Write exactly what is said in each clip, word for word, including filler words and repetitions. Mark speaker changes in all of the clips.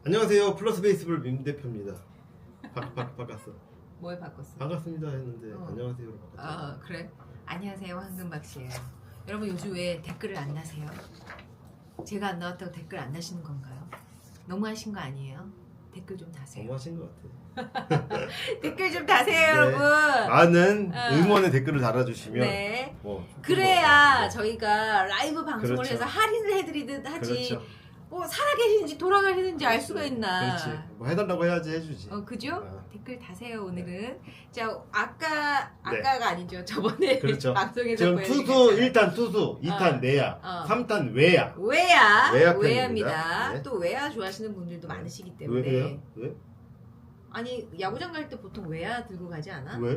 Speaker 1: 안녕하세요. 플러스 베이스볼 민 대표입니다. 바, 바, 바꿨어.
Speaker 2: 뭘 바꿨어?
Speaker 1: 반갑습니다 했는데
Speaker 2: 어.
Speaker 1: 안녕하세요로 바꿨죠.
Speaker 2: 아 그래? 안녕하세요, 황금박 씨예요. 여러분 요즘 왜 댓글을 안 나세요? 제가 안 나왔다고 댓글 안 나시는 건가요? 너무하신 거 아니에요? 댓글 좀 다세요.
Speaker 1: 너무하신 것 같아.
Speaker 2: 댓글 좀 다세요,
Speaker 1: 네.
Speaker 2: 여러분.
Speaker 1: 많은
Speaker 2: 어.
Speaker 1: 응원의 댓글을 달아주시면
Speaker 2: 네.
Speaker 1: 뭐
Speaker 2: 그래야
Speaker 1: 뭐,
Speaker 2: 저희가 라이브 방송을
Speaker 1: 그렇죠.
Speaker 2: 해서 할인을 해드리듯 하지.
Speaker 1: 그렇죠.
Speaker 2: 뭐 살아계시는지 돌아가시는지 알 수가 있나?
Speaker 1: 그렇지. 뭐 해달라고 해야지 해주지.
Speaker 2: 어 그죠?
Speaker 1: 어.
Speaker 2: 댓글 다세요 오늘은. 자 아까
Speaker 1: 네.
Speaker 2: 아까가 아니죠. 저번에
Speaker 1: 그렇죠.
Speaker 2: 방송에서
Speaker 1: 지금
Speaker 2: 보여드린
Speaker 1: 투수
Speaker 2: 것처럼.
Speaker 1: 일 탄 투수, 이 탄
Speaker 2: 어.
Speaker 1: 내야,
Speaker 2: 어.
Speaker 1: 삼 탄 외야.
Speaker 2: 외야,
Speaker 1: 외야
Speaker 2: 외야입니다.
Speaker 1: 편입니다. 네.
Speaker 2: 또 외야 좋아하시는 분들도 많으시기
Speaker 1: 왜
Speaker 2: 때문에.
Speaker 1: 왜요? 왜?
Speaker 2: 아니 야구장 갈 때 보통 외야 들고 가지 않아?
Speaker 1: 왜?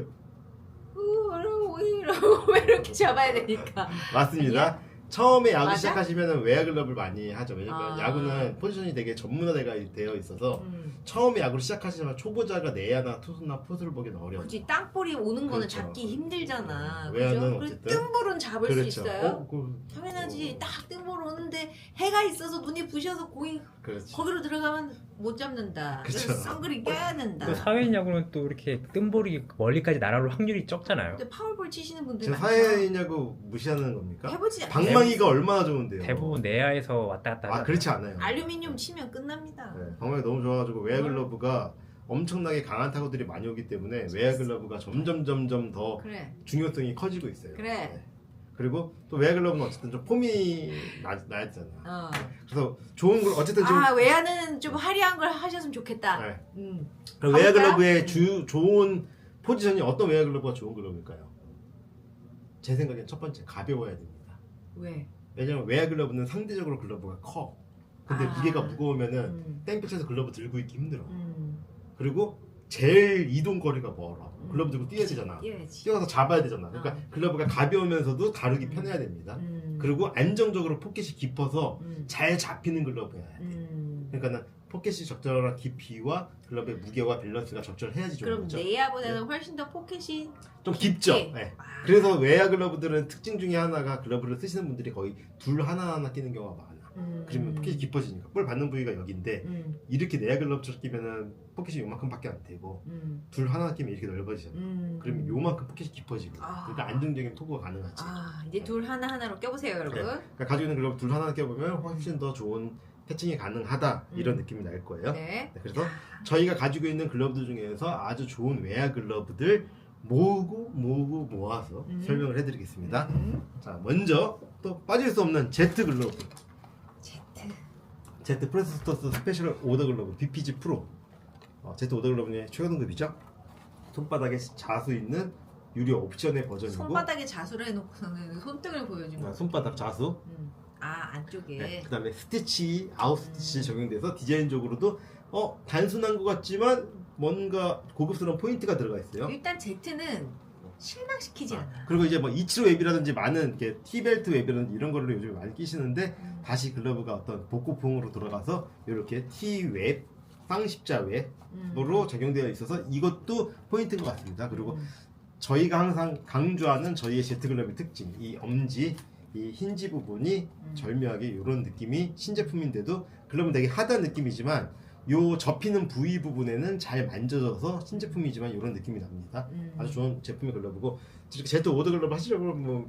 Speaker 2: 우, 이러고 왜 이렇게 잡아야 되니까.
Speaker 1: 맞습니다. 처음에 야구
Speaker 2: 맞아?
Speaker 1: 시작하시면 외야 글러브를 많이 하죠. 왜냐면
Speaker 2: 아.
Speaker 1: 야구는 포지션이 되게 전문화되어 되어 있어서
Speaker 2: 음.
Speaker 1: 처음에 야구를 시작하시면 초보자가 내야나 투수나 포수를 보기는 어려워요.
Speaker 2: 굳이 땅볼이 오는 거는
Speaker 1: 그렇죠.
Speaker 2: 잡기 힘들잖아.
Speaker 1: 네. 외야는
Speaker 2: 그죠? 그리고
Speaker 1: 어쨌든.
Speaker 2: 뜬볼은 잡을
Speaker 1: 그렇죠.
Speaker 2: 수 있어요.
Speaker 1: 어, 그,
Speaker 2: 당연하지.
Speaker 1: 어,
Speaker 2: 딱 뜬볼 오는데 해가 있어서 눈이 부셔서 공이
Speaker 1: 그렇지.
Speaker 2: 거기로 들어가면 못 잡는다.
Speaker 1: 그쵸.
Speaker 2: 그래서 선글이 껴야 된다.
Speaker 3: 또 사회인 야구는 또 이렇게 뜬볼이 멀리까지 날아올 확률이 적잖아요.
Speaker 2: 근데 파울볼 치시는 분들
Speaker 1: 지금
Speaker 2: 많죠.
Speaker 1: 사회냐고 무시하는 겁니까?
Speaker 2: 해보지 않-
Speaker 1: 방망이가 얼마나 좋은데요.
Speaker 3: 대부분 내야에서 왔다 갔다
Speaker 1: 아
Speaker 3: 하잖아요.
Speaker 1: 그렇지 않아요.
Speaker 2: 알루미늄 치면 끝납니다.
Speaker 1: 네, 방망이 너무 좋아가지고 외야 글러브가 엄청나게 강한 타구들이 많이 오기 때문에 외야 글러브가 점점 점점 더
Speaker 2: 그래.
Speaker 1: 중요성이 커지고 있어요.
Speaker 2: 그래.
Speaker 1: 네. 그리고 또 외야 글러브는 어쨌든 좀 폼이 나, 나야 되잖아.
Speaker 2: 어.
Speaker 1: 그래서 좋은 걸 어쨌든 지금
Speaker 2: 아 외야는 좀 화려한 걸 하셨으면 좋겠다.
Speaker 1: 네.
Speaker 2: 음.
Speaker 1: 그럼 외야
Speaker 2: 가볼까요?
Speaker 1: 글러브의 주 좋은 포지션이 어떤 외야 글러브가 좋은 글러브일까요? 제 생각엔 첫 번째 가벼워야 됩니다.
Speaker 2: 왜?
Speaker 1: 왜냐면 외야 글러브는 상대적으로 글러브가 커. 근데
Speaker 2: 아.
Speaker 1: 무게가 무거우면은
Speaker 2: 음.
Speaker 1: 땡볕에서 글러브 들고 있기 힘들어.
Speaker 2: 음.
Speaker 1: 그리고 제일 이동 거리가 멀어.
Speaker 2: 음.
Speaker 1: 글러브 들고 뛰어야 되잖아.
Speaker 2: 뛰어야지.
Speaker 1: 뛰어서 잡아야 되잖아. 그러니까
Speaker 2: 어.
Speaker 1: 글러브가 가벼우면서도 다루기
Speaker 2: 음.
Speaker 1: 편해야 됩니다.
Speaker 2: 음.
Speaker 1: 그리고 안정적으로 포켓이 깊어서
Speaker 2: 음.
Speaker 1: 잘 잡히는 글러브여야 돼.
Speaker 2: 음.
Speaker 1: 그러니까는 포켓이 적절한 깊이와 글러브의 무게와 밸런스가 적절해야지 좋은
Speaker 2: 그럼
Speaker 1: 거죠.
Speaker 2: 내야보다는 훨씬 더 포켓이
Speaker 1: 좀 깊죠.
Speaker 2: 깊게.
Speaker 1: 네.
Speaker 2: 아.
Speaker 1: 그래서 외야 글러브들은 특징 중에 하나가 글러브를 쓰시는 분들이 거의 둘 하나 하나 끼는 경우가 많아.
Speaker 2: 음.
Speaker 1: 그러면 포켓이 깊어지니까 볼 받는 부위가 여기인데
Speaker 2: 음.
Speaker 1: 이렇게 내야 글러브처럼 끼면은 포켓이 요만큼밖에 안 되고
Speaker 2: 음.
Speaker 1: 둘 하나 끼면 이렇게 넓어지잖아.
Speaker 2: 음.
Speaker 1: 그러면 요만큼 포켓이 깊어지고
Speaker 2: 아.
Speaker 1: 그러니까 안정적인 토구가 가능하지.
Speaker 2: 아 이제 둘 하나 하나로 껴보세요, 여러분.
Speaker 1: 네. 그러니까 가지고 있는 글러브 둘 하나 껴보면 훨씬 더 좋은 패칭이 가능하다 이런
Speaker 2: 음.
Speaker 1: 느낌이 날 거예요.
Speaker 2: 네.
Speaker 1: 네, 그래서 저희가 가지고 있는 글러브들 중에서 아주 좋은 외야 글러브들 모으고 모으고 모아서
Speaker 2: 음.
Speaker 1: 설명을 해드리겠습니다.
Speaker 2: 음.
Speaker 1: 자, 먼저 또 빠질 수 없는 Z 글러브,
Speaker 2: 제트.
Speaker 1: Z 프레스토스 스페셜 오더 글러브 비피지 프로. 어, Z 오더 글러브의 최고 등급이죠. 손바닥에 자수 있는 유료 옵션의 버전이고
Speaker 2: 손바닥에 자수를 해놓고서는 손등을 보여주는.
Speaker 1: 아, 손바닥 자수.
Speaker 2: 음. 아 안쪽에.
Speaker 1: 네, 그다음에 스티치, 아웃 스티치
Speaker 2: 음.
Speaker 1: 적용돼서 디자인적으로도 어 단순한 것 같지만 뭔가 고급스러운 포인트가 들어가 있어요.
Speaker 2: 일단 제트는 실망시키지
Speaker 1: 아,
Speaker 2: 않아.
Speaker 1: 그리고 이제 뭐 이치로 웹이라든지 많은 이렇게 티벨트 웹이라든지 이런 거를 요즘 많이 끼시는데
Speaker 2: 음.
Speaker 1: 다시 글러브가 어떤 복고풍으로 돌아가서 이렇게 T웹, 쌍십자 웹으로
Speaker 2: 음.
Speaker 1: 적용되어 있어서 이것도 포인트인 것 같습니다. 그리고
Speaker 2: 음.
Speaker 1: 저희가 항상 강조하는 저희의 제트 글러브의 특징, 이 엄지, 이 힌지 부분이
Speaker 2: 음.
Speaker 1: 절묘하게 이런 느낌이 신제품인데도 글러브는 되게 하드한 느낌이지만 요 접히는 부위 부분에는 잘 만져져서 신제품이지만 이런 느낌이 납니다.
Speaker 2: 음.
Speaker 1: 아주 좋은 제품의 글러브고 이렇게 제트 오더 글러브 하시려고 뭐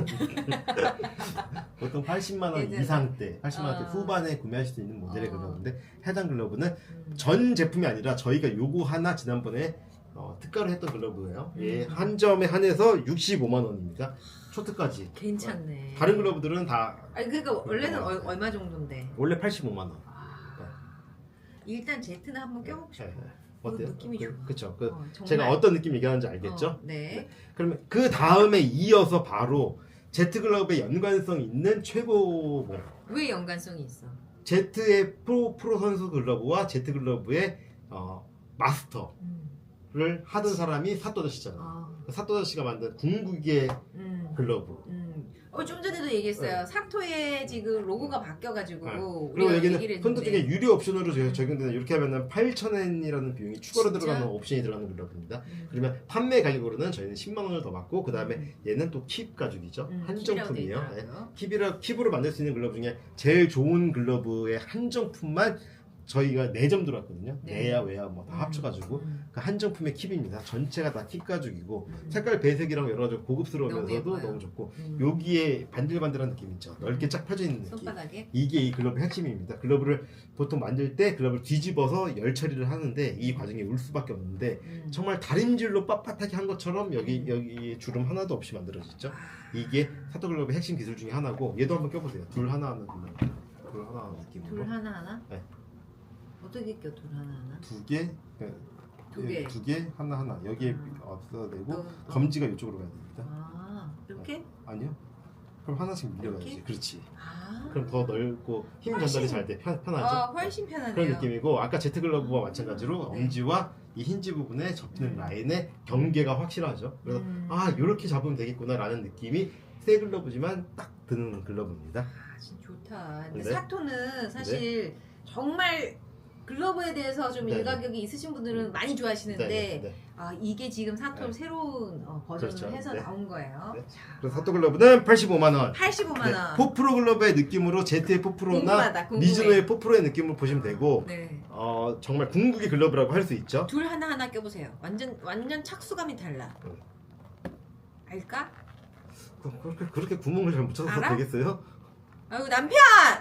Speaker 1: 보통 팔십만 원
Speaker 2: 예전에.
Speaker 1: 이상대, 팔십만 원대
Speaker 2: 아.
Speaker 1: 후반에 구매하실 수 있는 모델의
Speaker 2: 어.
Speaker 1: 글러브인데 해당 글러브는
Speaker 2: 음.
Speaker 1: 전 제품이 아니라 저희가 요거 하나 지난번에 어, 특가로 했던 글러브예요. 예,
Speaker 2: 음.
Speaker 1: 한 점에 한해서 육십오만 원입니다. 초특까지.
Speaker 2: 괜찮네.
Speaker 1: 다른 글러브들은 다
Speaker 2: 아니 그러니까 원래는 얼, 얼마 정도인데.
Speaker 1: 원래 팔십오만 원.
Speaker 2: 아. 일단 제트는 한번 껴보고 싶어.
Speaker 1: 네, 네.
Speaker 2: 그
Speaker 1: 어때요?
Speaker 2: 느낌이
Speaker 1: 그,
Speaker 2: 좋아.
Speaker 1: 그쵸. 그
Speaker 2: 어, 정말.
Speaker 1: 제가 어떤 느낌 얘기하는지 알겠죠?
Speaker 2: 어, 네.
Speaker 1: 그러면 그 다음에 이어서 바로 제트 글러브의 연관성 있는 최고 뭐
Speaker 2: 왜 연관성이 있어?
Speaker 1: 제트의 프로 프로 선수 글러브와 제트 글러브의 어, 마스터를
Speaker 2: 음.
Speaker 1: 하던 사람이 사토다 씨잖아.
Speaker 2: 아.
Speaker 1: 사토다 씨가 만든 궁극의
Speaker 2: 음.
Speaker 1: 글러브.
Speaker 2: 음. 어, 좀 전에도 얘기했어요.
Speaker 1: 네.
Speaker 2: 사토의 지금 로고가 바뀌어가지고
Speaker 1: 네.
Speaker 2: 우리가
Speaker 1: 그리고
Speaker 2: 얘기를
Speaker 1: 여기는 손도
Speaker 2: 했는데.
Speaker 1: 중에 유료 옵션으로 저- 적용되는 이렇게 하면은 팔천 엔이라는 비용이 추가로
Speaker 2: 진짜?
Speaker 1: 들어가는 옵션이 들어가는 글러브입니다.
Speaker 2: 음.
Speaker 1: 그러면 판매 가격으로는 저희는 십만 원을 더 받고 그 다음에
Speaker 2: 음.
Speaker 1: 얘는 또 킵 가죽이죠.
Speaker 2: 음, 킵이라고
Speaker 1: 한정품이에요.
Speaker 2: 돼
Speaker 1: 네.
Speaker 2: 있더라고요.
Speaker 1: 킵이라 킵으로 만들 수 있는 글러브 중에 제일 좋은 글러브의 한정품만 저희가 네 점 들어왔거든요.
Speaker 2: 네.
Speaker 1: 내야 외야 뭐 다
Speaker 2: 음.
Speaker 1: 합쳐가지고
Speaker 2: 음.
Speaker 1: 그 한정품의 킵입니다. 전체가 다 킵 가죽이고
Speaker 2: 음.
Speaker 1: 색깔 배색이랑 여러 가지
Speaker 2: 너무
Speaker 1: 고급스러우면서도
Speaker 2: 예뻐요.
Speaker 1: 너무 좋고
Speaker 2: 음.
Speaker 1: 여기에 반들반들한 느낌 있죠. 넓게 쫙 펴져 있는 느낌.
Speaker 2: 손바닥에
Speaker 1: 이게 이 글러브의 핵심입니다. 글러브를 보통 만들 때 글러브를 뒤집어서 열 처리를 하는데 이 과정이 울 수밖에 없는데
Speaker 2: 음.
Speaker 1: 정말 다림질로 빳빳하게 한 것처럼 여기
Speaker 2: 음.
Speaker 1: 여기 주름 하나도 없이 만들어졌죠.
Speaker 2: 아.
Speaker 1: 이게 사토 글러브의 핵심 기술 중에 하나고 얘도 한번 껴보세요. 둘 하나 하는 글러브. 둘 하나 하는 느낌으로.
Speaker 2: 둘 하나 하나?
Speaker 1: 네.
Speaker 2: 어떻게 껴 둘 하나 하나?
Speaker 1: 두 개, 네,
Speaker 2: 두 개.
Speaker 1: 두 개, 하나 하나 여기에
Speaker 2: 음.
Speaker 1: 없어도 되고
Speaker 2: 또, 또.
Speaker 1: 검지가 이쪽으로 가야 됩니다.
Speaker 2: 아 이렇게?
Speaker 1: 아니요. 그럼 하나씩 밀려가야지.
Speaker 2: 이렇게?
Speaker 1: 그렇지.
Speaker 2: 아.
Speaker 1: 그럼 더 넓고 힘
Speaker 2: 훨씬-
Speaker 1: 전달이 잘 돼. 편, 편하죠.
Speaker 2: 아 훨씬 편하네요.
Speaker 1: 그런 느낌이고 아까 제트 글러브와 마찬가지로
Speaker 2: 네.
Speaker 1: 엄지와 이 힌지 부분에 접히는
Speaker 2: 음.
Speaker 1: 라인의 경계가 확실하죠. 그래서
Speaker 2: 음.
Speaker 1: 아 이렇게 잡으면 되겠구나라는 느낌이 새 글러브지만 딱 드는 글러브입니다.
Speaker 2: 아 진짜 좋다. 근데
Speaker 1: 네.
Speaker 2: 사토는 사실 정말 글러브에 대해서 좀
Speaker 1: 네,
Speaker 2: 일가격이 있으신 분들은 많이 좋아하시는데
Speaker 1: 네, 네.
Speaker 2: 아 이게 지금 사토
Speaker 1: 네.
Speaker 2: 새로운 어, 버전을
Speaker 1: 그렇죠.
Speaker 2: 해서
Speaker 1: 네.
Speaker 2: 나온 거예요.
Speaker 1: 네.
Speaker 2: 자,
Speaker 1: 그래서 사토 글러브는 팔십오만 원.
Speaker 2: 팔십오만 원.
Speaker 1: 포프로 글러브의 느낌으로 제트의 포프로나
Speaker 2: 궁금하다, 궁금해.
Speaker 1: 미즈노의 포프로의 느낌을 보시면 되고
Speaker 2: 네.
Speaker 1: 어, 정말 궁극의 글러브라고 할 수 있죠.
Speaker 2: 둘 하나 하나 껴보세요. 완전 완전 착수감이 달라.
Speaker 1: 응.
Speaker 2: 알까?
Speaker 1: 그- 그렇게 그렇게 구멍을 잘 묻혀서
Speaker 2: 알아?
Speaker 1: 되겠어요?
Speaker 2: 아유 남편.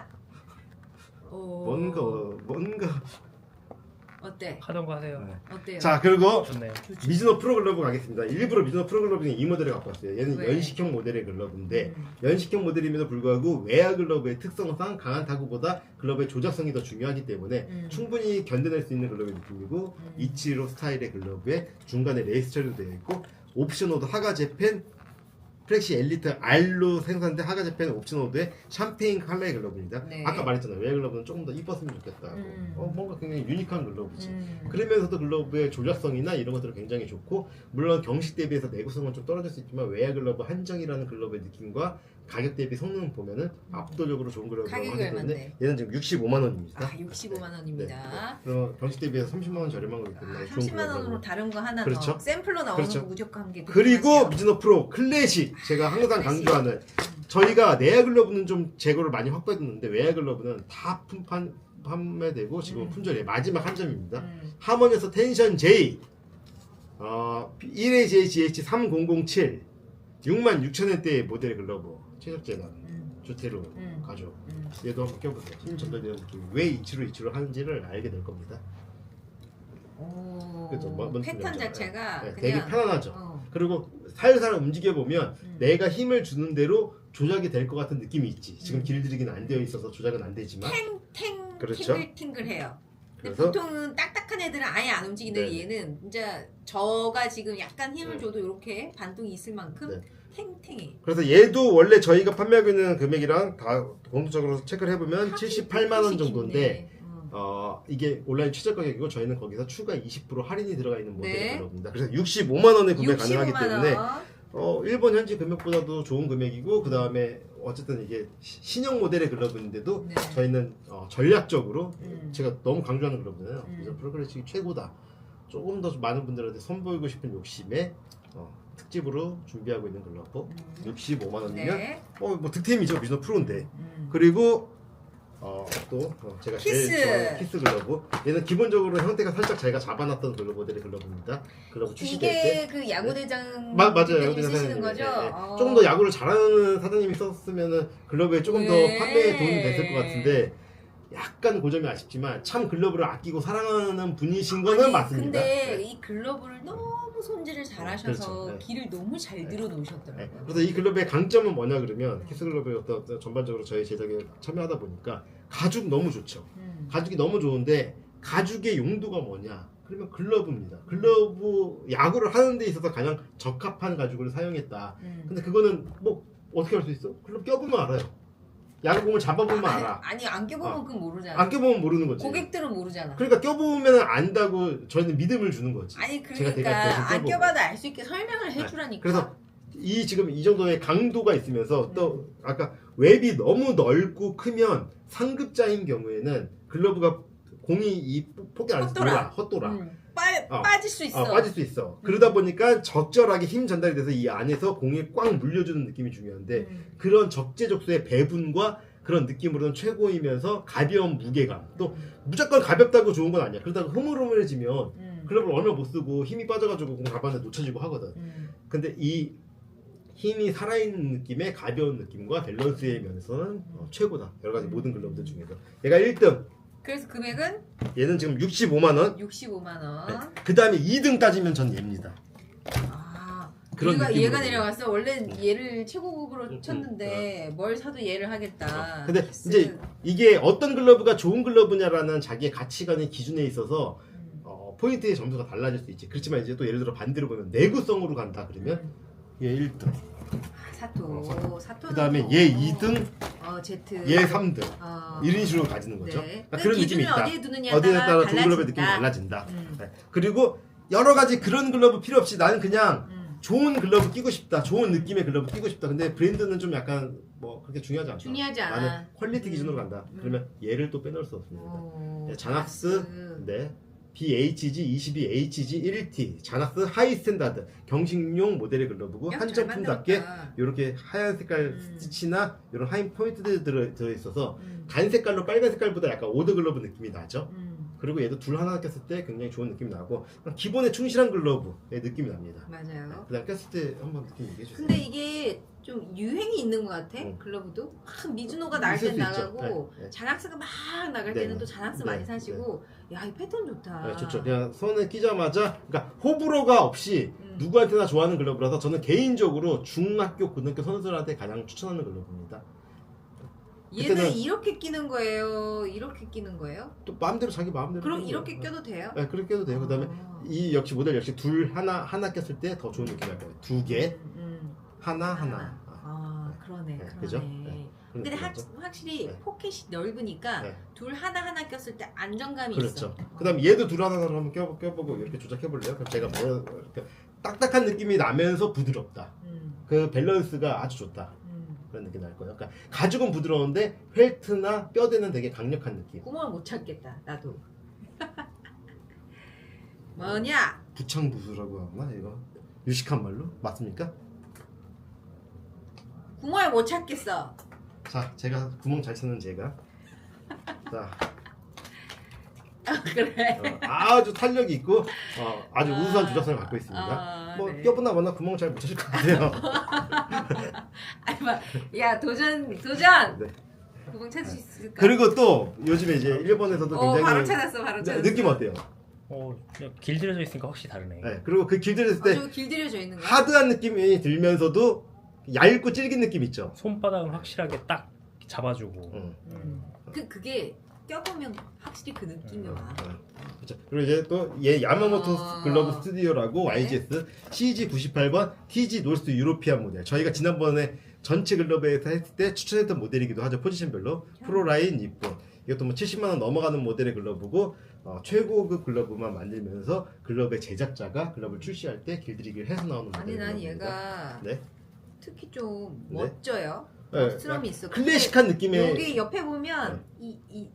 Speaker 2: 오.
Speaker 1: 뭔가 뭔가.
Speaker 2: 어때?
Speaker 3: 하던 거 하세요.
Speaker 1: 네.
Speaker 2: 어때요?
Speaker 1: 자 그리고
Speaker 3: 좋네요.
Speaker 2: 좋지.
Speaker 1: 미즈노 프로 글러브 가겠습니다. 일부러 미즈노 프로 글러브 중에 이 모델을 갖고 왔어요. 얘는
Speaker 2: 왜?
Speaker 1: 연식형 모델의 글러브인데
Speaker 2: 음.
Speaker 1: 연식형 모델임에도 불구하고 외야 글러브의 특성상 강한 타구보다 글러브의 조작성이 더 중요하기 때문에
Speaker 2: 음.
Speaker 1: 충분히 견뎌낼 수 있는 글러브의 느낌이고
Speaker 2: 음.
Speaker 1: 이치로 스타일의 글러브에 중간에 레이스 처리도 되어 있고 옵션오드 하가 재팬 프렉시 엘리트 R로 생산된 하가 재팬 옵션오드의 샴페인 컬러의 글러브입니다.
Speaker 2: 네.
Speaker 1: 아까 말했잖아요. 외야 글러브는 조금 더 이뻤으면 좋겠다.
Speaker 2: 음.
Speaker 1: 어, 뭔가 굉장히 유니크한 글러브지.
Speaker 2: 음.
Speaker 1: 그러면서도 글러브의 조작성이나 이런 것들은 굉장히 좋고 물론 경식 대비해서 내구성은 좀 떨어질 수 있지만 외야 글러브 한정이라는 글러브의 느낌과 가격 대비 성능 보면은 압도적으로 좋은 글러브라고
Speaker 2: 가격이
Speaker 1: 하기 때문에
Speaker 2: 얼마인데?
Speaker 1: 얘는 지금 육십오만 원입니다.
Speaker 2: 아 육십오만 원입니다.
Speaker 1: 그럼 경식 대비해서 삼십만 원 저렴한 거기 때문에
Speaker 2: 아,
Speaker 1: 좋은
Speaker 2: 삼십만
Speaker 1: 글러브라고.
Speaker 2: 원으로 다른 거 하나
Speaker 1: 그렇죠.
Speaker 2: 더 샘플로 나오는
Speaker 1: 그렇죠.
Speaker 2: 거 무조건 함께
Speaker 1: 그리고 미즈노 프로 클래식 제가 항상
Speaker 2: 클래식.
Speaker 1: 강조하는 저희가 내야 글러브는 좀 재고를 많이 확보했는데 외야 글러브는 다 품판 판매되고 지금
Speaker 2: 음.
Speaker 1: 품절이에요. 마지막 한 점입니다.
Speaker 2: 음.
Speaker 1: 하모니에서 텐션 J 어, 일 에이 제이 지 에이치 삼공공칠 육만 육천 원대의 모델 글러브 최적재단
Speaker 2: 음.
Speaker 1: 주테로
Speaker 2: 음.
Speaker 1: 가죽
Speaker 2: 음.
Speaker 1: 얘도 한번 껴보세요. 힘 전달되는 느낌 왜 이치로 이치로 하는지를 알게 될 겁니다.
Speaker 2: 오.
Speaker 1: 그죠? 뭔- 뭔
Speaker 2: 패턴
Speaker 1: 소리인지
Speaker 2: 자체가
Speaker 1: 네,
Speaker 2: 그냥
Speaker 1: 되게 편안하죠.
Speaker 2: 어.
Speaker 1: 그리고 살살 움직여 보면
Speaker 2: 음.
Speaker 1: 내가 힘을 주는 대로 조작이 될 것 같은 느낌이 있지. 지금
Speaker 2: 음.
Speaker 1: 길들이기는 안 되어 있어서 조작은 안 되지만
Speaker 2: 탱탱
Speaker 1: 그렇죠.
Speaker 2: 팅글팅글해요. 근데
Speaker 1: 그래서
Speaker 2: 보통은 딱딱한 애들은 아예 안 움직이는데
Speaker 1: 네.
Speaker 2: 얘는 진짜 저가 지금 약간 힘을
Speaker 1: 네.
Speaker 2: 줘도 이렇게 반동이 있을 만큼
Speaker 1: 네.
Speaker 2: 탱탱해.
Speaker 1: 그래서 얘도 원래 저희가 판매하고 있는 금액이랑 다 공통적으로 체크를 해보면 칠십팔만 원 정도인데
Speaker 2: 어.
Speaker 1: 어, 이게 온라인 최저 가격이고 저희는 거기서 추가 이십 퍼센트 할인이 들어가 있는 모델의
Speaker 2: 네.
Speaker 1: 글러브입니다. 그래서 육십오만 원에 구매 가능하기
Speaker 2: 육십오만
Speaker 1: 때문에
Speaker 2: 원.
Speaker 1: 어, 일본 현지 금액보다도 좋은 금액이고 그 다음에 어쨌든 이게 시- 신형 모델의 글러브인데도
Speaker 2: 네.
Speaker 1: 저희는 어, 전략적으로
Speaker 2: 음.
Speaker 1: 제가 너무 강조하는 글러브잖아요.
Speaker 2: 음.
Speaker 1: 그래서 프로그레식이 최고다. 조금 더 많은 분들한테 선보이고 싶은 욕심에 어, 특집으로 준비하고 있는 글러브
Speaker 2: 음.
Speaker 1: 육십오만 원이면
Speaker 2: 네.
Speaker 1: 어, 뭐 득템이죠. 미즈노 프로인데.
Speaker 2: 음.
Speaker 1: 그리고 어, 또 어, 제가
Speaker 2: 키스.
Speaker 1: 제일 좋아하는 키스 글러브. 얘는 기본적으로 형태가 살짝 저희가 잡아놨던 글러브 모델의 글러브입니다. 글러브 출시될 때.
Speaker 2: 이게 그 야구대장
Speaker 1: 마, 맞아요.
Speaker 2: 대표님이
Speaker 1: 야구대장
Speaker 2: 쓰시는
Speaker 1: 사장님이.
Speaker 2: 거죠?
Speaker 1: 예, 예.
Speaker 2: 어.
Speaker 1: 조금 더 야구를 잘하는 사장님이 썼으면은 글러브에 조금 더
Speaker 2: 네.
Speaker 1: 판매에 도움이 됐을 것 같은데 약간 고점이 아쉽지만 참 글러브를 아끼고 사랑하는 분이신 거는
Speaker 2: 아니,
Speaker 1: 맞습니다.
Speaker 2: 근데
Speaker 1: 네.
Speaker 2: 이 글러브를 너무 손질을 잘하셔서
Speaker 1: 그렇죠. 네.
Speaker 2: 길을 너무 잘 들어 놓으셨더라고요.
Speaker 1: 네. 그래서 이 글러브의 강점은 뭐냐 그러면 키스 글러브의 어떤 어떤 전반적으로 저희 제작에 참여하다 보니까 가죽 너무 좋죠.
Speaker 2: 음.
Speaker 1: 가죽이 너무 좋은데 가죽의 용도가 뭐냐? 그러면 글러브입니다. 글러브 야구를 하는 데 있어서 가장 적합한 가죽을 사용했다.
Speaker 2: 음.
Speaker 1: 근데 그거는 뭐 어떻게 할 수 있어? 글러브 껴보면 알아요. 야구공을 잡아보면
Speaker 2: 아니,
Speaker 1: 알아.
Speaker 2: 아니 안 껴보면
Speaker 1: 아.
Speaker 2: 그건 모르잖아.
Speaker 1: 안 껴보면 모르는 거지.
Speaker 2: 고객들은 모르잖아.
Speaker 1: 그러니까 껴보면 안다고 저희는 믿음을 주는 거지.
Speaker 2: 아니
Speaker 1: 제가 대략
Speaker 2: 그러니까
Speaker 1: 대신
Speaker 2: 안
Speaker 1: 껴보고.
Speaker 2: 껴봐도 알 수 있게 설명을 해주라니까.
Speaker 1: 그래서 이 지금 이 정도의 강도가 있으면서 또 아까 웹이 너무 넓고 크면 상급자인 경우에는 글러브가 공이 이 폭이 안에서
Speaker 2: 헛돌아.
Speaker 1: 돌아 헛돌아
Speaker 2: 음, 빠,
Speaker 1: 어.
Speaker 2: 빠질 수 있어.
Speaker 1: 어, 빠질 수 있어. 그러다 보니까 적절하게 힘 전달이 돼서 이 안에서 공이 꽉 물려주는 느낌이 중요한데
Speaker 2: 음.
Speaker 1: 그런 적재적소의 배분과 그런 느낌으로는 최고이면서 가벼운 무게감. 또 무조건 가볍다고 좋은 건 아니야. 그러다가 흐물흐물해지면
Speaker 2: 음.
Speaker 1: 글러브를 얼마 못 쓰고 힘이 빠져가지고 공 잡았는데 놓쳐지고 하거든.
Speaker 2: 음.
Speaker 1: 근데 이 힘이 살아있는 느낌의 가벼운 느낌과 밸런스의 면에서는 어, 최고다. 여러 가지 모든 글러브들 중에서. 얘가 일 등.
Speaker 2: 그래서 금액은
Speaker 1: 얘는 지금 육십오만 원.
Speaker 2: 육십오만 원.
Speaker 1: 그 다음에 이 등 따지면 전 얘입니다.
Speaker 2: 아,
Speaker 1: 그런
Speaker 2: 얘가,
Speaker 1: 느낌으로.
Speaker 2: 얘가 내려갔어. 원래 얘를 최고급으로
Speaker 1: 음,
Speaker 2: 쳤는데 뭘 사도 얘를 하겠다.
Speaker 1: 어, 근데
Speaker 2: 스-
Speaker 1: 이제 이게 어떤 글러브가 좋은 글러브냐라는 자기의 가치관의 기준에 있어서
Speaker 2: 음.
Speaker 1: 어, 포인트의 점수가 달라질 수 있지. 그렇지만 이제 또 예를 들어 반대로 보면 내구성으로 간다 그러면
Speaker 2: 음.
Speaker 1: 얘 일 등.
Speaker 2: 아, 사토. 사토.
Speaker 1: 그 다음에 얘 이 등,
Speaker 2: 어, 제트.
Speaker 1: 얘 삼 등.
Speaker 2: 어.
Speaker 1: 이런 식으로 가지는 거죠.
Speaker 2: 네.
Speaker 1: 그러니까 그런 느낌이
Speaker 2: 기준을
Speaker 1: 있다.
Speaker 2: 어디에 두느냐에
Speaker 1: 어디에
Speaker 2: 따라
Speaker 1: 따라 좋은 글러브의 느낌이
Speaker 2: 달라진다.
Speaker 1: 달라진다.
Speaker 2: 음.
Speaker 1: 네. 그리고 여러 가지 그런 글러브 필요 없이 나는 그냥
Speaker 2: 음.
Speaker 1: 좋은 글러브 끼고 싶다. 좋은 느낌의 글러브 끼고 싶다. 근데 브랜드는 좀 약간 뭐 그렇게 중요하지 않다.
Speaker 2: 중요하지 않아.
Speaker 1: 나는 퀄리티 기준으로
Speaker 2: 음.
Speaker 1: 간다.
Speaker 2: 음.
Speaker 1: 그러면 얘를 또 빼놓을 수 없습니다.
Speaker 2: 오,
Speaker 1: 네, 자낙스,
Speaker 2: 자낙스.
Speaker 1: 네, 비에이치지 이십이 에이치지 일 티, 자낙스 하이 스탠다드 경식용 모델의 글러브고
Speaker 2: 야, 잘
Speaker 1: 한정품답게
Speaker 2: 만들었다.
Speaker 1: 이렇게 하얀 색깔
Speaker 2: 음.
Speaker 1: 스티치나 이런 하인 포인트들이 들어, 들어있어서
Speaker 2: 음.
Speaker 1: 간 색깔로 빨간 색깔보다 약간 오더 글러브 느낌이 나죠.
Speaker 2: 음.
Speaker 1: 그리고 얘도 둘 하나 꼈을 때 굉장히 좋은 느낌이 나고 기본에 충실한 글러브의 느낌이 납니다.
Speaker 2: 맞아요.
Speaker 1: 그다음 꼈을 때 한번 느낌 얘기해 주세요.
Speaker 2: 근데 이게 좀 유행이 있는 것 같아.
Speaker 1: 응.
Speaker 2: 글러브도 막 미즈노가 나갈
Speaker 1: 있을
Speaker 2: 땐
Speaker 1: 수 있죠.
Speaker 2: 나가고
Speaker 1: 네, 네.
Speaker 2: 자낙스가 막 나갈
Speaker 1: 네,
Speaker 2: 때는
Speaker 1: 네.
Speaker 2: 또 자낙스
Speaker 1: 네,
Speaker 2: 많이 사시고 야 이 패턴 좋다.
Speaker 1: 네, 좋죠. 그냥 손에 끼자마자 그러니까 호불호가 없이
Speaker 2: 음.
Speaker 1: 누구한테나 좋아하는 글러브라서 저는 개인적으로 중학교 고등학교 선수들한테 가장 추천하는 글러브입니다.
Speaker 2: 얘는
Speaker 1: 그때는-
Speaker 2: 이렇게 끼는 거예요. 이렇게 끼는 거예요?
Speaker 1: 또 마음대로 자기 마음대로.
Speaker 2: 그럼
Speaker 1: 끼는
Speaker 2: 이렇게
Speaker 1: 거예요.
Speaker 2: 껴도 돼요?
Speaker 1: 네, 그렇게 껴도 돼요. 그다음에
Speaker 2: 아.
Speaker 1: 이 역시 모델 역시 둘 하나 하나 꼈을 때 더 좋은 느낌이 날 거예요. 두 개,
Speaker 2: 음, 음.
Speaker 1: 하나
Speaker 2: 하나.
Speaker 1: 하나.
Speaker 2: 아 그러네.
Speaker 1: 네,
Speaker 2: 그러네.
Speaker 1: 그죠? 네, 그런
Speaker 2: 근데 확,
Speaker 1: 느낌이죠.
Speaker 2: 확실히
Speaker 1: 네.
Speaker 2: 포켓이 넓으니까
Speaker 1: 네.
Speaker 2: 둘 하나 하나 꼈을 때 안정감이
Speaker 1: 그렇죠.
Speaker 2: 있어.
Speaker 1: 그다음 얘도 둘 하나 하나 한번 껴 껴보고 이렇게 조작해 볼래요? 그럼 제가 뭐 이렇게 딱딱한 느낌이 나면서 부드럽다.
Speaker 2: 음,
Speaker 1: 그 밸런스가 아주 좋다.
Speaker 2: 음.
Speaker 1: 그런 느낌이 날 거예요. 그러니까 가죽은 부드러운데 펠트나 뼈대는 되게 강력한 느낌.
Speaker 2: 구멍을 못 찾겠다. 나도. 뭐냐?
Speaker 1: 부창부수라고 하나 이거 유식한 말로 맞습니까?
Speaker 2: 구멍을 못 찾겠어.
Speaker 1: 자, 제가 구멍 잘 찾는 제가 자
Speaker 2: 그래.
Speaker 1: 어, 아주 탄력이 있고 어, 아주
Speaker 2: 아,
Speaker 1: 우수한 조작성을 갖고 있습니다.
Speaker 2: 아,
Speaker 1: 뭐
Speaker 2: 네.
Speaker 1: 껴보나 마나 구멍 잘 못 찾을 것 같아요.
Speaker 2: 아니 막, 야 도전 도전.
Speaker 1: 네.
Speaker 2: 구멍 찾을 수 있을까?
Speaker 1: 그리고 또 요즘에 이제 일본에서도
Speaker 2: 어
Speaker 1: 굉장히
Speaker 2: 바로 찾았어, 바로
Speaker 1: 네,
Speaker 2: 찾았어.
Speaker 1: 느낌 어때요?
Speaker 3: 어, 그냥 길들여져 있으니까 확실히 다르네.
Speaker 1: 네, 그리고 그 길들였을 때
Speaker 2: 아주 길들여져 있는 거야.
Speaker 1: 하드한 느낌이 들면서도 얇고 질긴 느낌 있죠.
Speaker 3: 손바닥은 확실하게 딱 잡아주고.
Speaker 1: 응.
Speaker 2: 음. 그 그게 껴보면 확실히 그 느낌이 와.
Speaker 1: 그렇죠. 그리고 이제 또 얘 야마모토
Speaker 2: 아.
Speaker 1: 글러브 스튜디오라고
Speaker 2: 네.
Speaker 1: 와이지에스 씨지 구십팔 번 티지 노스 유로피안 모델. 저희가 지난번에 전체 글러브에서 했을 때 추천했던 모델이기도 하죠. 포지션별로 프로라인 니폰. 이것도 뭐 칠십만 원 넘어가는 모델의 글러브고 어, 최고급 글러브만 만들면서 글러브의 제작자가 글러브를 출시할 때 길들이기를 해서 나오는 모델.
Speaker 2: 아니 난 얘가
Speaker 1: 네.
Speaker 2: 특히 좀
Speaker 1: 네.
Speaker 2: 멋져요.
Speaker 1: 네,
Speaker 2: 멋스러움이 있어.
Speaker 1: 클래식한 느낌의
Speaker 2: 여기 옆에 보면 이 이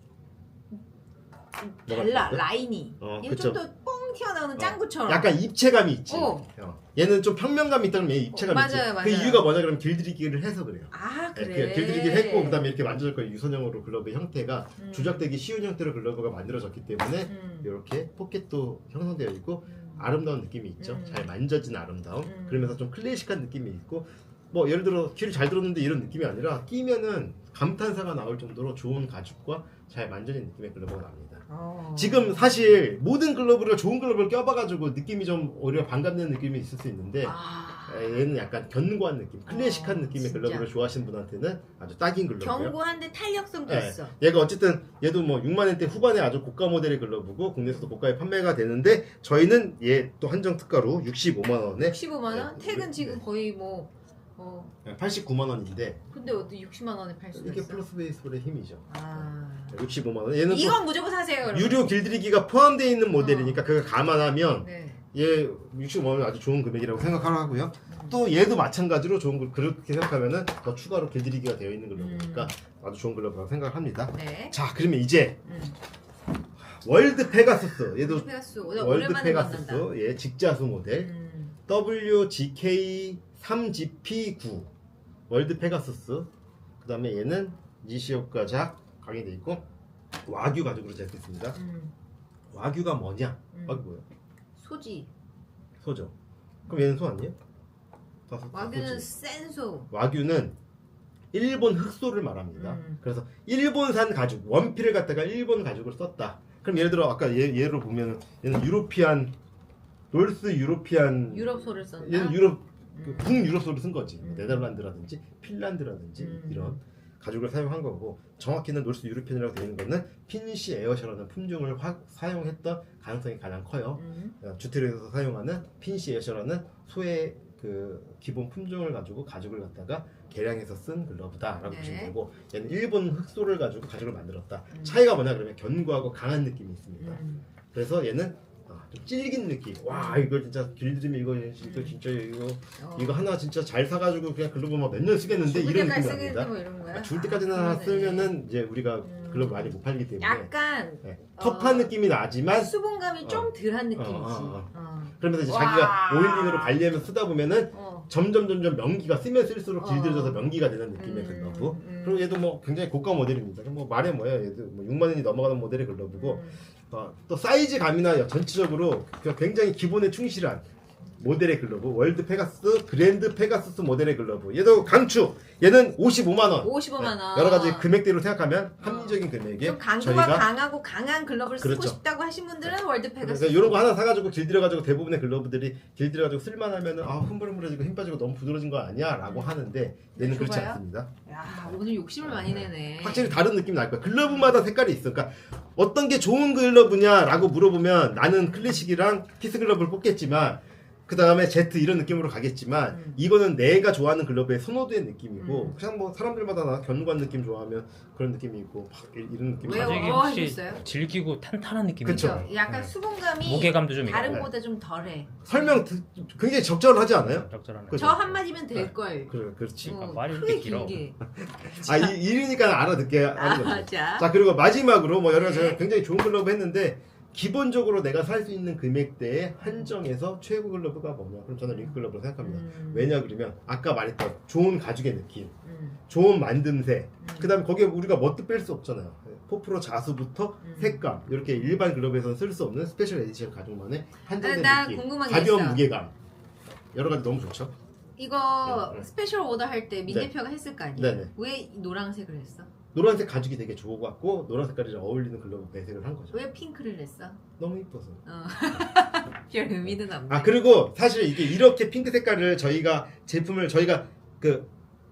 Speaker 1: 뭐가
Speaker 2: 달라
Speaker 1: 있을까?
Speaker 2: 라인이
Speaker 1: 어,
Speaker 2: 얘는
Speaker 1: 그쵸.
Speaker 2: 좀 더 뻥 튀어나오는
Speaker 1: 어,
Speaker 2: 짱구처럼.
Speaker 1: 약간 입체감이 있지.
Speaker 2: 어.
Speaker 1: 어. 얘는 좀 평면감이 있다면 얘 입체감이
Speaker 2: 어,
Speaker 1: 있지.
Speaker 2: 맞아요,
Speaker 1: 그
Speaker 2: 맞아요.
Speaker 1: 이유가 뭐냐 그러면 길들이기를 해서 그래요.
Speaker 2: 아
Speaker 1: 네,
Speaker 2: 그래.
Speaker 1: 그 길들이기를 했고 그다음에 이렇게 만져질 거예요. 유선형으로 글러브의 형태가
Speaker 2: 음.
Speaker 1: 조작되기 쉬운 형태로 글러브가 만들어졌기 때문에
Speaker 2: 음.
Speaker 1: 이렇게 포켓도 형성되어 있고
Speaker 2: 음.
Speaker 1: 아름다운 느낌이 있죠.
Speaker 2: 음.
Speaker 1: 잘 만져진 아름다움.
Speaker 2: 음.
Speaker 1: 그러면서 좀 클래식한 느낌이 있고 뭐 예를 들어 귀를 잘 들었는데 이런 느낌이 아니라 끼면은 감탄사가 나올 정도로 좋은 가죽과 잘 만져진 느낌의 글러브가 납니다.
Speaker 2: 어.
Speaker 1: 지금 사실 모든 글러브를 좋은 글러브를 껴봐가지고 느낌이 좀 오히려 반감되는 느낌이 있을 수 있는데
Speaker 2: 아.
Speaker 1: 얘는 약간 견고한 느낌, 클래식한
Speaker 2: 어,
Speaker 1: 느낌의
Speaker 2: 진짜.
Speaker 1: 글러브를 좋아하시는 분한테는 아주 딱인 글러브예요.
Speaker 2: 견고한데 탄력성도
Speaker 1: 네.
Speaker 2: 있어.
Speaker 1: 얘가 어쨌든 얘도 뭐 육만 원대 후반에 아주 고가 모델의 글러브고 국내에서도 고가에 판매가 되는데 저희는 얘 또 한정 특가로 육십오만 원에
Speaker 2: 십오만 원?
Speaker 1: 네.
Speaker 2: 택은 지금
Speaker 1: 네.
Speaker 2: 거의 뭐 어.
Speaker 1: 팔십구만 원인데
Speaker 2: 근데 어디 육십만 원에 팔 수가
Speaker 1: 이게
Speaker 2: 있어?
Speaker 1: 플러스 베이스볼의 힘이죠.
Speaker 2: 아.
Speaker 1: 육십오만 원. 얘는 또
Speaker 2: 이건 무조건 사세요, 여러분.
Speaker 1: 유료 길들이기가 포함되어 있는 모델이니까 그걸 감안하면
Speaker 2: 네.
Speaker 1: 얘 육십오만 원 아주 좋은 금액이라고 생각하고요.
Speaker 2: 음.
Speaker 1: 또 얘도 마찬가지로 좋은 글 그렇게 생각하면은 더 추가로 길들이기가 되어 있는 글러브니까
Speaker 2: 음.
Speaker 1: 아주 좋은 글러브라고 생각합니다.
Speaker 2: 네.
Speaker 1: 자, 그러면 이제
Speaker 2: 음.
Speaker 1: 월드 페가수스 얘도
Speaker 2: 페가수
Speaker 1: 월드
Speaker 2: 오랜만에
Speaker 1: 페가수스
Speaker 2: 만난다.
Speaker 1: 예 직자수 모델
Speaker 2: 음.
Speaker 1: 더블유 지 케이 삼 지 피 구 월드 페가수스. 그다음에 얘는 니시오카 작 강의돼 있고 와규 가죽으로 제작했습니다.
Speaker 2: 음.
Speaker 1: 와규가 뭐냐?
Speaker 2: 음.
Speaker 1: 와규 뭐야?
Speaker 2: 소지.
Speaker 1: 소죠. 그럼 얘는 소 아니에요? 다 소- 다
Speaker 2: 와규는
Speaker 1: 소지.
Speaker 2: 센소.
Speaker 1: 와규는 일본 흑소를 말합니다.
Speaker 2: 음.
Speaker 1: 그래서 일본산 가죽, 원피를 갖다가 일본 가죽을 썼다. 그럼 예를 들어 아까 예, 예로 보면 얘는 유로피안 놀스 유로피안
Speaker 2: 유럽 소를 썼나?
Speaker 1: 얘는 유럽 그
Speaker 2: 음.
Speaker 1: 북유럽 소를 쓴 거지.
Speaker 2: 음.
Speaker 1: 네덜란드라든지 핀란드라든지
Speaker 2: 음.
Speaker 1: 이런 가죽을 사용한 거고 정확히는 놀스 유로피안이라고 되어 있는 거는 핀시 에어셔라는 품종을 화- 사용했던 가능성이 가장 커요.
Speaker 2: 음.
Speaker 1: 어, 주택에서 사용하는 핀시 에어셔라는 소의 그 기본 품종을 가지고 가죽을 갖다가 개량해서 쓴 글러브다라고
Speaker 2: 네.
Speaker 1: 보시면 되고 얘는 일본 흑소를 가지고 가죽을 만들었다.
Speaker 2: 음.
Speaker 1: 차이가 뭐냐 그러면 견고하고 강한 느낌이 있습니다.
Speaker 2: 음.
Speaker 1: 그래서 얘는 아, 좀 질긴 느낌. 와 이거 진짜 길들이면 이거 이거 진짜 이거
Speaker 2: 어.
Speaker 1: 이거 하나 진짜 잘 사가지고 그냥 글러브 막 몇 년 쓰겠는데
Speaker 2: 죽을
Speaker 1: 이런
Speaker 2: 때까지
Speaker 1: 느낌이
Speaker 2: 쓰겠지
Speaker 1: 납니다.
Speaker 2: 뭐 이런 거야?
Speaker 1: 아, 죽을 때까지는 하나
Speaker 2: 아, 그러네.
Speaker 1: 쓰면은 이제 우리가
Speaker 2: 음.
Speaker 1: 글러브 많이 못 팔기 때문에
Speaker 2: 약간
Speaker 1: 네. 터프한
Speaker 2: 어.
Speaker 1: 느낌이 나지만
Speaker 2: 수분감이
Speaker 1: 어.
Speaker 2: 좀 덜한 느낌이지.
Speaker 1: 어, 어,
Speaker 2: 어.
Speaker 1: 그러면서 이제
Speaker 2: 와.
Speaker 1: 자기가 오일링으로 관리하면서 쓰다 보면은
Speaker 2: 어.
Speaker 1: 점점 점점 명기가 쓰면 쓸수록
Speaker 2: 어.
Speaker 1: 길들여져서 명기가 되는 느낌의
Speaker 2: 음,
Speaker 1: 글러브.
Speaker 2: 음.
Speaker 1: 그리고 얘도 뭐 굉장히 고가 모델입니다. 뭐 말해 뭐예요. 얘도 뭐 육만 원이 넘어가는 모델의 글러브고
Speaker 2: 음.
Speaker 1: 어, 또 사이즈감이나 전체적으로 그냥 굉장히 기본에 충실한 모델의 글러브. 월드 페가스 그랜드 페가수스 모델의 글러브. 얘도 강추. 얘는 오십오만 원.
Speaker 2: 오십오만 원.
Speaker 1: 여러 가지 금액대로 생각하면 합리적인 금액에
Speaker 2: 좀 강도가
Speaker 1: 저희가
Speaker 2: 강하고 강한 글러브를 쓰고
Speaker 1: 그렇죠.
Speaker 2: 싶다고 하신 분들은 월드 페가스.
Speaker 1: 그래서 이런 거 하나 사가지고 길들여가지고 대부분의 글러브들이 길들여가지고 쓸만하면은 아 흐물흐물해지고 힘 빠지고 너무 부드러진 거 아니야?라고
Speaker 2: 음.
Speaker 1: 하는데 얘는 그렇지
Speaker 2: 좁아요?
Speaker 1: 않습니다.
Speaker 2: 야 오늘 욕심을 많이 내네.
Speaker 1: 확실히 다른 느낌이 날 거야. 글러브마다 색깔이 있어. 그러니까 어떤 게 좋은 글러브냐라고 물어보면 나는 클래식이랑 피스 글러브를 뽑겠지만 그 다음에 제트 이런 느낌으로 가겠지만
Speaker 2: 음.
Speaker 1: 이거는 내가 좋아하는 글러브의 선호도의 느낌이고
Speaker 2: 음.
Speaker 1: 그냥 뭐 사람들마다 나 견고한 느낌 좋아하면 그런 느낌이 있고 막 이- 이런 느낌이
Speaker 2: 왜요?
Speaker 1: 있고.
Speaker 3: 가죽이
Speaker 2: 어,
Speaker 3: 혹시
Speaker 2: 하셨어요?
Speaker 3: 질기고 탄탄한 느낌이
Speaker 1: 그쵸.
Speaker 3: 있어요.
Speaker 2: 약간
Speaker 1: 네.
Speaker 2: 수분감이
Speaker 3: 무게감도 좀 있고.
Speaker 2: 다른 거보다 좀 덜해.
Speaker 1: 설명 듣- 굉장히 적절하지 않아요?
Speaker 3: 적절하네.
Speaker 1: 그죠?
Speaker 2: 저 한마디면 될 걸.
Speaker 1: 그래, 그렇지.
Speaker 3: 아,
Speaker 2: 어,
Speaker 3: 말이
Speaker 2: 크게
Speaker 3: 이렇게 길어.
Speaker 2: 길게.
Speaker 1: 아, 이, 이러니까 알아듣게 하는 거죠.
Speaker 2: 아, 자.
Speaker 1: 자, 그리고 마지막으로 뭐 여러 가지
Speaker 2: 네.
Speaker 1: 굉장히 좋은 글러브 했는데 기본적으로 내가 살 수 있는 금액대에 한정해서 최고 글러브가 뭐냐? 그럼 저는 링크 글러브를 생각합니다.
Speaker 2: 음.
Speaker 1: 왜냐 그러면 아까 말했던 좋은 가죽의 느낌,
Speaker 2: 음.
Speaker 1: 좋은 만듦새,
Speaker 2: 음.
Speaker 1: 그다음에 거기에 우리가 뭣도 뺄 수 없잖아요. 포프로 자수부터
Speaker 2: 음.
Speaker 1: 색감 이렇게 일반 글러브에서는 쓸 수 없는 스페셜 에디션 가죽만의 한정된
Speaker 2: 아, 나
Speaker 1: 느낌,
Speaker 2: 궁금한 게
Speaker 1: 가벼운
Speaker 2: 있어.
Speaker 1: 무게감 여러 가지 너무 좋죠.
Speaker 2: 이거
Speaker 1: 네, 네.
Speaker 2: 스페셜 오더 할 때 민
Speaker 1: 네.
Speaker 2: 대표가 했을 거 아니에요?
Speaker 1: 네, 네.
Speaker 2: 왜 노란색을 했어?
Speaker 1: 노란색 가죽이 되게 좋아갖고 노란 색깔이랑 어울리는 글러브 배색을 한 거죠.
Speaker 2: 왜 핑크를 냈어?
Speaker 1: 너무 이뻐서.
Speaker 2: 어. 별 의미는 없네.
Speaker 1: 아 그리고 사실 이게 이렇게 핑크 색깔을 저희가 제품을 저희가 그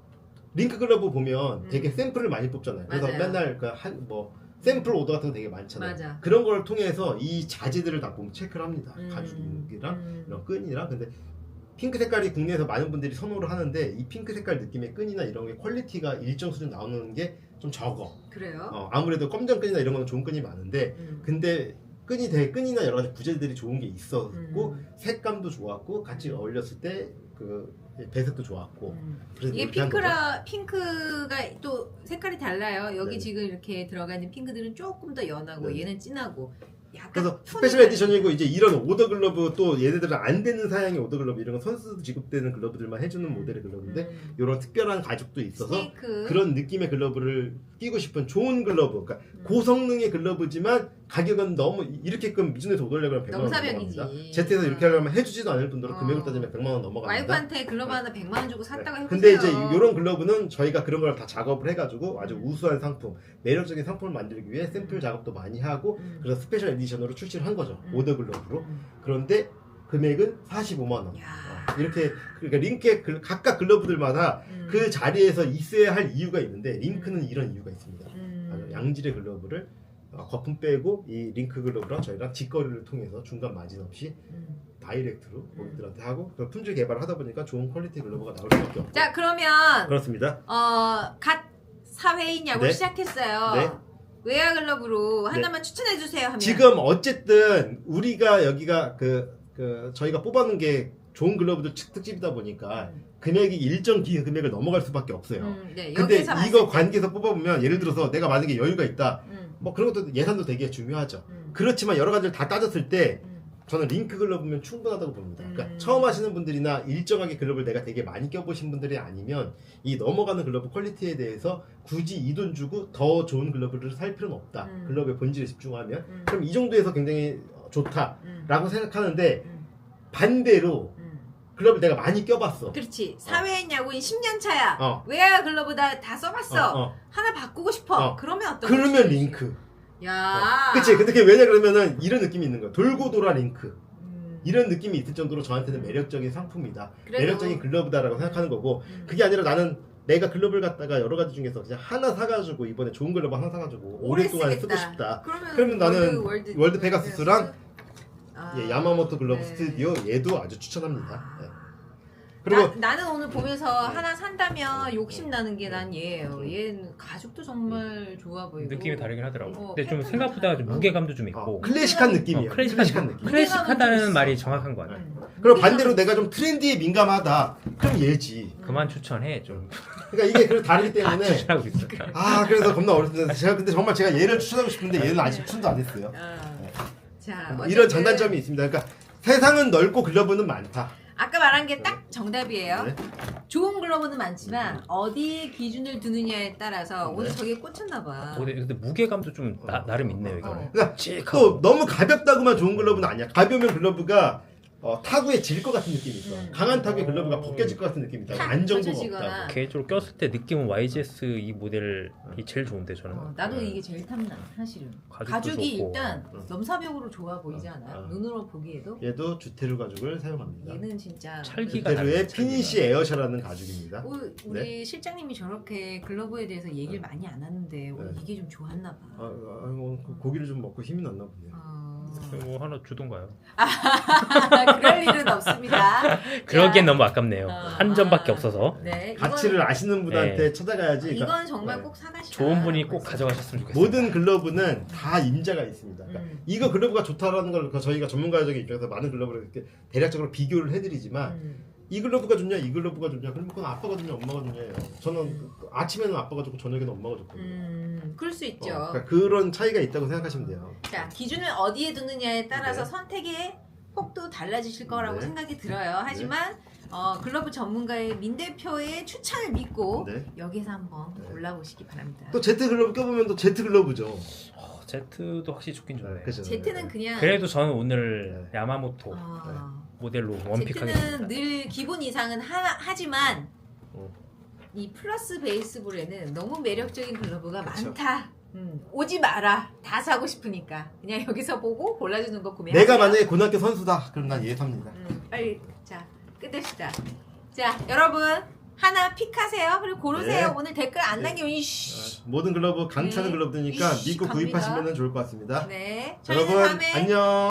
Speaker 1: 링크 글러브 보면
Speaker 2: 음.
Speaker 1: 되게 샘플을 많이 뽑잖아요. 그래서
Speaker 2: 맞아요.
Speaker 1: 맨날 그 한 뭐 샘플 오더 같은 거 되게 많잖아요.
Speaker 2: 맞아.
Speaker 1: 그런 걸 통해서 이 자재들을 다 보면 체크를 합니다.
Speaker 2: 음.
Speaker 1: 가죽이랑
Speaker 2: 음.
Speaker 1: 이런 끈이랑 근데 핑크 색깔이 국내에서 많은 분들이 선호를 하는데 이 핑크 색깔 느낌의 끈이나 이런 게 퀄리티가 일정 수준 나오는 게 좀 적어.
Speaker 2: 그래요?
Speaker 1: 어, 아무래도 검정 끈이나 이런 거는 좋은 끈이 많은데
Speaker 2: 음.
Speaker 1: 근데 끈이 되게 끈이나 여러 가지 부재들이 좋은 게 있었고
Speaker 2: 음.
Speaker 1: 색감도 좋았고 같이 어울렸을 때 그 배색도 좋았고
Speaker 2: 음.
Speaker 1: 그래서
Speaker 2: 이게
Speaker 1: 이렇게 한 거죠.
Speaker 2: 핑크라 핑크가 또 색깔이 달라요. 여기
Speaker 1: 네네.
Speaker 2: 지금 이렇게 들어가 있는 핑크들은 조금 더 연하고
Speaker 1: 네네.
Speaker 2: 얘는 진하고. 약간
Speaker 1: 그래서
Speaker 2: 톤이
Speaker 1: 스페셜
Speaker 2: 다르-
Speaker 1: 에디션이고 이제 이런 오더 글러브 또 얘네들은 안 되는 사양의 오더 글러브 이런 건 선수도 지급되는 글러브들만 해주는 모델의 글러브인데
Speaker 2: 음.
Speaker 1: 이런 특별한 가죽도 있어서
Speaker 2: 스네이크.
Speaker 1: 그런 느낌의 글러브를 끼고 싶은 좋은 글러브 그러니까
Speaker 2: 음.
Speaker 1: 고성능의 글러브지만 가격은 너무 이렇게끔 미준에서 오더려면 백만 원
Speaker 2: 넘사벽이지.
Speaker 1: 넘어갑니다. 제트에서 이렇게 하려면 해주지도 않을 뿐더러
Speaker 2: 어.
Speaker 1: 금액을 따지면 백만 원 넘어갑니다.
Speaker 2: 와이프한테 글러브 하나 백만 원 주고 샀다가 해보세요.
Speaker 1: 근데 이제 이런 글러브는 저희가 그런 걸 다 작업을 해가지고 아주
Speaker 2: 음.
Speaker 1: 우수한 상품, 매력적인 상품을 만들기 위해 샘플 작업도 많이 하고
Speaker 2: 음.
Speaker 1: 그래서 스페셜 에디션으로 출시를 한 거죠.
Speaker 2: 음.
Speaker 1: 오더 글러브로.
Speaker 2: 음.
Speaker 1: 그런데 금액은 사십오만 원.
Speaker 2: 야.
Speaker 1: 어, 이렇게 그러니까 링크의 글- 각각 글러브들마다
Speaker 2: 음.
Speaker 1: 그 자리에서 있어야 할 이유가 있는데 링크는 이런 이유가 있습니다.
Speaker 2: 음.
Speaker 1: 아주 양질의 글러브를 어, 거품 빼고 이 링크 글러브랑 저희랑 직거래를 통해서 중간 마진 없이
Speaker 2: 음.
Speaker 1: 다이렉트로 고객들한테 하고 그 품질 개발을 하다 보니까 좋은 퀄리티 글러브가 나올 수밖에 없고
Speaker 2: 자 그러면
Speaker 1: 그렇습니다.
Speaker 2: 어, 갓 사회인 야구를
Speaker 1: 네.
Speaker 2: 시작했어요.
Speaker 1: 네.
Speaker 2: 외야 글러브로
Speaker 1: 네.
Speaker 2: 하나만 추천해 주세요 하면
Speaker 1: 지금 어쨌든 우리가 여기가 그, 그 저희가 뽑아놓은 게 좋은 글러브들 특- 특집이다 보니까
Speaker 2: 음.
Speaker 1: 금액이 일정 기 금액을 넘어갈 수밖에 없어요.
Speaker 2: 음, 네.
Speaker 1: 근데
Speaker 2: 여기서 봤을
Speaker 1: 이거
Speaker 2: 때.
Speaker 1: 관계에서 뽑아보면 예를 들어서 내가 만약에 여유가 있다
Speaker 2: 음,
Speaker 1: 뭐 그런 것도 예산도 되게 중요하죠.
Speaker 2: 음,
Speaker 1: 그렇지만 여러 가지를 다 따졌을 때
Speaker 2: 음.
Speaker 1: 저는 링크 글러브면 충분하다고 봅니다. 그러니까
Speaker 2: 음.
Speaker 1: 처음 하시는 분들이나 일정하게 글러브를 내가 되게 많이 껴보신 분들이 아니면 이 넘어가는 글러브 퀄리티에 대해서 굳이 이 돈 주고 더 좋은 글러브를 살 필요는 없다.
Speaker 2: 음.
Speaker 1: 글러브의 본질에 집중하면
Speaker 2: 음.
Speaker 1: 그럼 이 정도에서 굉장히 좋다라고
Speaker 2: 음.
Speaker 1: 생각하는데
Speaker 2: 음.
Speaker 1: 반대로
Speaker 2: 음.
Speaker 1: 글러브를 내가 많이 껴봤어.
Speaker 2: 그렇지. 사회인 야구인 십 년 차야.
Speaker 1: 어.
Speaker 2: 외야 글러브 다, 다 써봤어.
Speaker 1: 어, 어.
Speaker 2: 하나 바꾸고 싶어.
Speaker 1: 어.
Speaker 2: 그러면 어떤
Speaker 1: 그러면
Speaker 2: 거지?
Speaker 1: 링크.
Speaker 2: 야.
Speaker 1: 그치. 근데 그게 왜냐 그러면은 이런 느낌이 있는 거야. 돌고 돌아 링크.
Speaker 2: 음.
Speaker 1: 이런 느낌이 있을 정도로 저한테는 매력적인 상품이다.
Speaker 2: 그래도-
Speaker 1: 매력적인 글러브다라고 생각하는 거고
Speaker 2: 음.
Speaker 1: 그게 아니라 나는 내가 글러브를 갖다가 여러 가지 중에서 그냥 하나 사가지고 이번에 좋은 글러브 하나 사가지고
Speaker 2: 오래
Speaker 1: 오랫동안
Speaker 2: 쓰겠다.
Speaker 1: 쓰고 싶다.
Speaker 2: 그러면,
Speaker 1: 그러면 나는
Speaker 2: 월드,
Speaker 1: 월드 페가수스랑
Speaker 2: 아.
Speaker 1: 예, 야마모토 글러브
Speaker 2: 네.
Speaker 1: 스튜디오 얘도 아주 추천합니다.
Speaker 2: 아.
Speaker 1: 예. 그리고
Speaker 2: 나, 나는 오늘 보면서 하나 산다면 욕심 나는 게 난 얘예요.
Speaker 1: 음.
Speaker 2: 얘는 가죽도 정말 좋아 보이고
Speaker 3: 느낌이 다르긴 하더라고.
Speaker 2: 어,
Speaker 3: 근데 좀
Speaker 2: 패턴도
Speaker 3: 생각보다 좀
Speaker 2: 다르고.
Speaker 3: 무게감도 좀
Speaker 1: 어,
Speaker 3: 있고.
Speaker 1: 클래식한 느낌이에요.
Speaker 3: 어, 클래식한,
Speaker 1: 느낌.
Speaker 3: 클래식하다는
Speaker 2: 무게감은
Speaker 3: 말이
Speaker 2: 좀
Speaker 3: 정확한 것 같아.
Speaker 2: 음.
Speaker 1: 그리고
Speaker 2: 무게감은
Speaker 1: 반대로 내가 좀 트렌디에 민감하다. 그럼 얘지.
Speaker 3: 그만 추천해 좀.
Speaker 1: 그러니까 이게 그 다르기
Speaker 3: 다
Speaker 1: 때문에
Speaker 3: 추천하고 있어.
Speaker 1: 아 그래서 겁나 어렵습니다. 제가 근데 정말 제가 얘를 추천하고 싶은데 얘는 아직 추천도 안 했어요.
Speaker 2: 어. 자,
Speaker 1: 뭐
Speaker 2: 어쨌든
Speaker 1: 이런 장단점이 있습니다. 그러니까 세상은 넓고 글러브는 많다.
Speaker 2: 아까 말한 게 딱 정답이에요.
Speaker 1: 네.
Speaker 2: 좋은 글러브는 많지만 어디 기준을 두느냐에 따라서
Speaker 1: 네.
Speaker 2: 오늘 저게 꽂혔나 봐.
Speaker 3: 어, 근데 무게감도 좀 나,
Speaker 1: 어.
Speaker 3: 나름 있네요
Speaker 2: 어.
Speaker 3: 이거는.
Speaker 1: 그러니까
Speaker 3: 찌익하고.
Speaker 1: 또 너무 가볍다고만 좋은 글러브는 아니야. 가벼우면 글러브가 어, 타구에 질 것 같은 느낌이 있어.
Speaker 2: 음.
Speaker 1: 강한 타구에 글러브가 벗겨질 것 같은 느낌이 있다.
Speaker 2: 탁
Speaker 1: 안정도가
Speaker 2: 펼쳐지거나.
Speaker 1: 없다고.
Speaker 3: 개인적으로 꼈을 때 느낌은 와이지에스 이 모델이 제일 좋은데 저는.
Speaker 2: 어, 나도
Speaker 1: 네.
Speaker 2: 이게 제일 탐나 사실은.
Speaker 3: 가죽도
Speaker 2: 가죽이
Speaker 3: 좋고.
Speaker 2: 일단
Speaker 1: 어.
Speaker 2: 넘사벽으로 좋아 보이지
Speaker 1: 어.
Speaker 2: 않아요?
Speaker 1: 어.
Speaker 2: 눈으로 보기에도
Speaker 1: 얘도 주테르 가죽을 사용합니다.
Speaker 2: 얘는 진짜
Speaker 3: 찰기가
Speaker 1: 주테르의
Speaker 3: 다르네,
Speaker 1: 피니시 에어샤라는 가죽입니다.
Speaker 2: 오, 우리 실장님이 저렇게 글러브에 대해서 얘기를 많이 안 하는데 오늘
Speaker 1: 네.
Speaker 2: 이게 좀 좋았나 봐.
Speaker 1: 아, 아, 뭐, 그 고기를 좀 먹고 힘이 났나 보네요.
Speaker 2: 어...
Speaker 3: 뭐 하나 주던가요?
Speaker 2: 그럴 일은 없습니다.
Speaker 3: 그러기엔
Speaker 2: 자,
Speaker 3: 너무 아깝네요.
Speaker 2: 어,
Speaker 3: 한 점밖에
Speaker 2: 아,
Speaker 3: 없어서.
Speaker 2: 네,
Speaker 1: 가치를
Speaker 2: 이건,
Speaker 1: 아시는 분한테
Speaker 3: 네.
Speaker 1: 찾아가야지. 그러니까
Speaker 2: 이건 정말
Speaker 1: 네.
Speaker 2: 꼭 사가시라.
Speaker 3: 좋은 분이 꼭
Speaker 2: 벌써.
Speaker 3: 가져가셨으면 좋겠어요.
Speaker 1: 모든 글러브는 다 임자가 있습니다. 그러니까
Speaker 2: 음.
Speaker 1: 이거 글러브가 좋다라는 걸 저희가 전문가적인 입장에서 많은 글러브를 이렇게 대략적으로 비교를 해드리지만
Speaker 2: 음.
Speaker 1: 이 글러브가 좋냐 이 글러브가 좋냐 그럼 그건 아빠가 좋냐 엄마가 좋냐예요. 저는 그 아침에는 아빠가 좋고 저녁에는 엄마가 좋거든요.
Speaker 2: 음, 그럴 수 있죠.
Speaker 1: 어, 그러니까 그런 차이가 있다고 생각하시면 돼요.
Speaker 2: 자, 기준을 어디에 두느냐에 따라서
Speaker 1: 네.
Speaker 2: 선택의 폭도 달라지실 거라고
Speaker 1: 네.
Speaker 2: 생각이 들어요. 하지만 어, 글러브 전문가의 민 대표의 추천을 믿고
Speaker 1: 네.
Speaker 2: 여기서 한번
Speaker 1: 네.
Speaker 2: 골라보시기 바랍니다.
Speaker 1: 또 제트 글러브 껴보면 또 제트 글러브죠.
Speaker 3: 어, 제트도 확실히 좋긴 좋네.
Speaker 1: 그죠?
Speaker 2: 제트는 그냥
Speaker 3: 그래도 저는 오늘 야마모토
Speaker 2: 어,
Speaker 3: 모델로 원픽하겠습니다.
Speaker 2: 제트는 늘 기본 이상은 하, 하지만
Speaker 1: 어.
Speaker 2: 이 플러스 베이스볼에는 너무 매력적인 글러브가
Speaker 1: 그쵸.
Speaker 2: 많다. 음, 오지 마라. 다 사고 싶으니까 그냥 여기서 보고 골라주는 거 구매하세요.
Speaker 1: 내가 만약에 고등학교 선수다 그럼 난 얘 삽니다.
Speaker 2: 음, 빨리 자 끝냅시다. 자 여러분 하나 픽하세요. 그리고 고르세요.
Speaker 1: 네.
Speaker 2: 오늘 댓글 안
Speaker 1: 네.
Speaker 2: 남기면 이씨.
Speaker 1: 모든 글러브 강차는
Speaker 2: 네.
Speaker 1: 글러브니까
Speaker 2: 이씨,
Speaker 1: 믿고
Speaker 2: 갑니다.
Speaker 1: 구입하시면 좋을 것 같습니다.
Speaker 2: 네. 저희는
Speaker 1: 여러분
Speaker 2: 다음에
Speaker 1: 안녕.